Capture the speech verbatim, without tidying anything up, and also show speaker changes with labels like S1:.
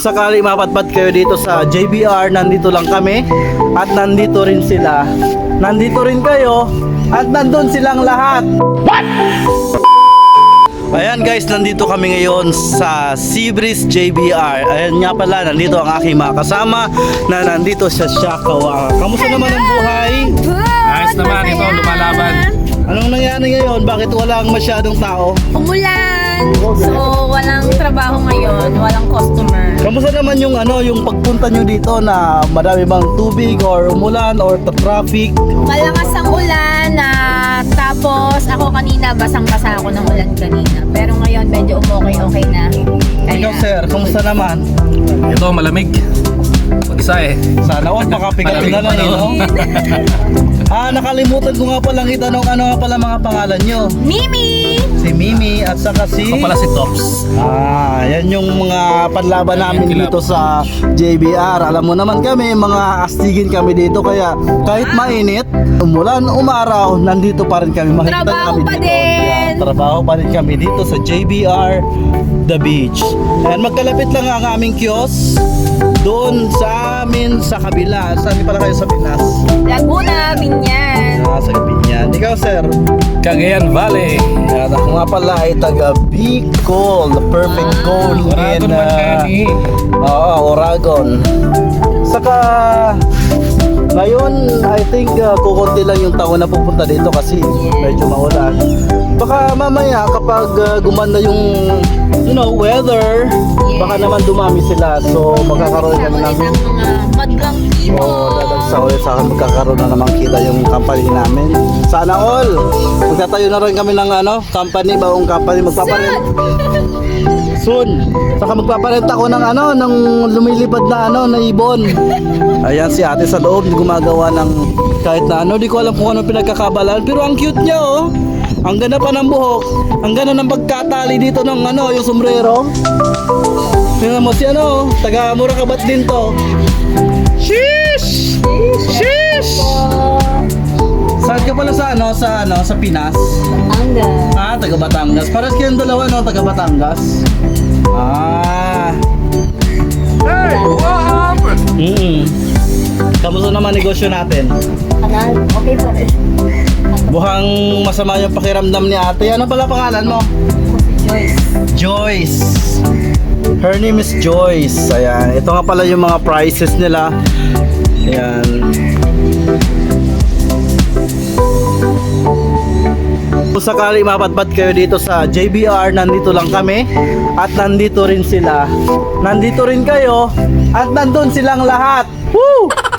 S1: sakali mapatpat kayo dito sa J B R, nandito lang kami at nandito rin sila. Nandito rin kayo at nandun silang lahat. What? Ayan guys, nandito kami ngayon sa Seabreeze J B R. Ayan nga pala, nandito ang aking mga kasama na nandito sa Siakawa. Kamusta naman ang buhay?
S2: Ayos naman, ito lumalaban.
S1: Anong nangyari ngayon? Bakit walang masyadong tao?
S3: Umulan. So, walang trabaho ngayon, walang customer.
S1: Kamusta naman yung ano, yung pagpunta nyo dito na marami bang tubig or umulan or traffic?
S3: Malakas ang ulan na tapos ako kanina basang-basa ako ng ulan kanina. Pero ngayon medyo umokay-okay na.
S1: Ikaw sir, kamusta naman?
S2: Ito malamig. Pag-isa eh.
S1: Sana all makapigat
S2: Malamig
S1: na lang
S2: pa,
S1: eh,
S2: no?
S1: no? Ah, nakalimutan ko nga palang itanong ano nga pala mga pangalan nyo.
S3: Mimi!
S1: Si Mimi at saka si...
S2: Ako pala si Tops.
S1: Ah, yan yung mga panlaban namin dito sa J B R. Alam mo naman kami, mga astigin kami dito. Kaya kahit mainit, umulan, umaraw, nandito pa rin kami. Mahigpit
S3: Trabaho
S1: kami
S3: pa
S1: dito.
S3: din.
S1: Yeah, trabaho pa rin kami dito sa J B R The Beach. Ayan, magkalapit lang ang aming kiosk doon sa amin sa kabila. Saan pala kayo sa Pinas?
S3: Laguna, Binyan.
S1: Ah, sa Binyan. Ikaw sir?
S2: Cagayan Valley.
S1: Yan, ako nga pala ay taga Bicol, the perfect goal in
S2: Oragon
S1: uh,
S2: Magkani.
S1: Oo, Oragon. Saka ngayon, I think uh, kukunti lang yung taon na pupunta dito kasi medyo maulan. Baka mamaya kapag uh, gumanda yung you know, weather, baka naman dumami sila. So magkakaroon kami ng
S3: Ulit ang mga madlang tipo.
S1: oh, dadagsa ulit sa akin, magkakaroon na naman kita yung company namin. Sana all! Magtatayo na rin kami ng ano, company, bagong company. Magpaparent. Soon. Saka magpaparent ako ng ano, ng lumilipad na ano, na ibon. Ayan si ate sa loob, gumagawa ng kahit na ano, di ko alam kung ano pinagkakabalan. Pero ang cute niya oh. Ang ganda pa ng buhok. Ang ganda ng pagkatali dito ng ano, yung sombrero. Tingnan mo si ano, taga Murakabat din to. Sheesh! Sheesh! Saan ka pala sa ano, sa ano, sa Pinas?
S3: Anga.
S1: Ah, taga Batangas. Paras kayong dalawa no, taga Batangas. Ah.
S2: Hey, what happened?
S1: Mm. Kamusta naman negosyo natin?
S3: Kanal, okay pa rin.
S1: Buhang masama yung pakiramdam ni ate. Ano pala pangalan mo?
S3: Joyce.
S1: Joyce. Her name is Joyce. Ayan. Ito nga pala yung mga prices nila. Ayan. Kung sakali mapatpat kayo dito sa J B R, nandito lang kami at nandito rin sila. Nandito rin kayo at nandun silang lahat. Woo!